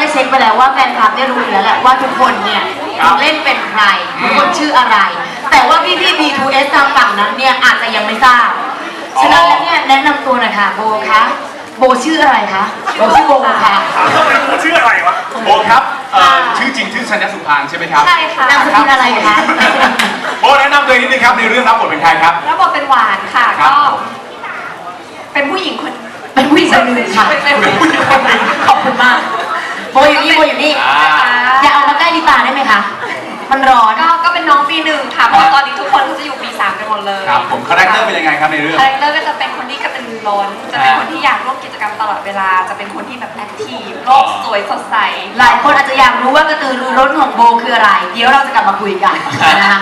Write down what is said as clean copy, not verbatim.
ได้เช็คไปแล้วว่าแฟนคลับเนี่ยรู้อยู่แล้วแหละว่าทุกคนเนี่ยเล่นเป็นใครทุกคนชื่ออะไร แต่ว่าพี่B2S ทางฝั่งนั้นเนี่ยอาจจะยังไม่ทราบฉะนั้นแล้วเนี่ยแนะนำตัวหน่อยค่ะโบคะโบชื่ออะไรคะโบชื่อโบค่ะชื่ออะไรวะโบครับชื่อจริงชื่อชัญญสุพางใช่ไหมครับใช่ค่ะนามสกุลอะไรคะโบแนะนำตัวเองนิดนึงครับในเรื่องรับบทเป็นใครครับแล้วบอกเป็นหวานค่ะครับก็เป็นผู้หญิงคนเป็นผู้หญิงคนหนึ่งค่ะเป็นผู้หญิงคนหนึ่งขอบคุณมากโบอยู่นี่โบอยู่นี่นะคะอย่าเอามาใกล้ลิตาได้ไหมคะมันร้อนก็เป็นน้องปีหนึ่งค่ะเพราะว่าตอนนี้ทุกคนเขาจะอยู่ปี3กันหมดเลยครับผมคาแรคเตอร์เป็นยังไงครับในเรื่องคาแรคเตอร์ก็จะเป็นคนที่กระตือรือร้นจะเป็นคนที่อยากร่วมกิจกรรมตลอดเวลาจะเป็นคนที่แบบแอคทีฟโลกสวยสดใสหลายคนอาจจะอยากรู้ว่ากระตือรือร้นของโบคืออะไร เดี๋ยวเราจะกลับมาคุยกันนะคะ